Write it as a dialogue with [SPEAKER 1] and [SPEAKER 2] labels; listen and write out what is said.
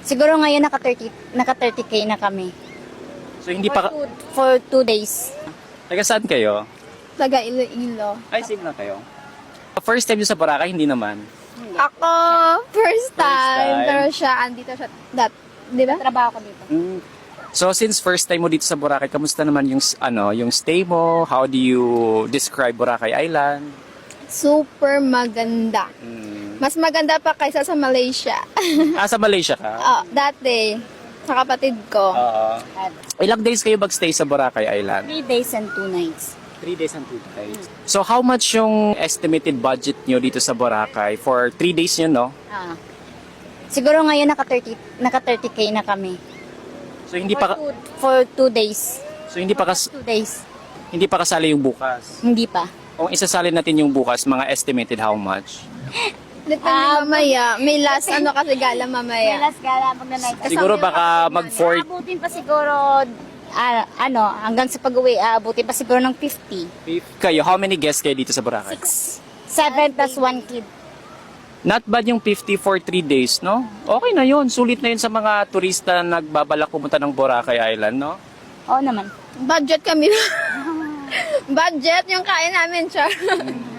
[SPEAKER 1] Siguro ngayon naka 30K na kami.
[SPEAKER 2] So hindi pa...
[SPEAKER 1] For 2 days.
[SPEAKER 2] Taga saan kayo?
[SPEAKER 3] Taga Iloilo.
[SPEAKER 2] Ay, same lang kayo. First time nyo sa Boracay, hindi naman.
[SPEAKER 3] Ako, first time.
[SPEAKER 2] time.
[SPEAKER 3] Pero siya, andito siya. Di ba?
[SPEAKER 1] Trabaho ko dito.
[SPEAKER 2] So since first time mo dito sa Boracay, kamusta naman yung stay mo? How do you describe Boracay Island?
[SPEAKER 3] Super maganda. Mas maganda pa kaysa sa Malaysia.
[SPEAKER 2] Sa Malaysia ka?
[SPEAKER 3] Dati, sa kapatid ko.
[SPEAKER 2] Oo. Ilang days kayo mag-stay sa Boracay Island?
[SPEAKER 1] 3 days and 2 nights.
[SPEAKER 2] 3 days and 2 nights. So how much yung estimated budget nyo dito sa Boracay for 3 days yun, no?
[SPEAKER 1] Siguro ngayon naka 30K na kami.
[SPEAKER 2] So hindi pa
[SPEAKER 1] For 2 days.
[SPEAKER 2] So hindi pa
[SPEAKER 1] 2 days.
[SPEAKER 2] hindi pa kasali yung bukas.
[SPEAKER 1] Hindi pa.
[SPEAKER 2] Kung isasalin natin yung bukas, mga estimated how much?
[SPEAKER 3] Depende mamaya. May last kasi gala mamaya.
[SPEAKER 1] Last gala pag na night.
[SPEAKER 2] Siguro baka mag-4
[SPEAKER 1] Aabutin pa siguro hanggang sa pag-uwi, aabutin pa siguro ng 50.
[SPEAKER 2] kayo. How many guests kayo dito sa Boracay?
[SPEAKER 1] 7 plus 1 kid.
[SPEAKER 2] Not bad yung 50 for 3 days, no? Okay na yun. Sulit na yun sa mga turista na nagbabalak pumunta ng Boracay Island, no?
[SPEAKER 1] Oo naman.
[SPEAKER 3] Budget kami. Budget yung kain namin, char.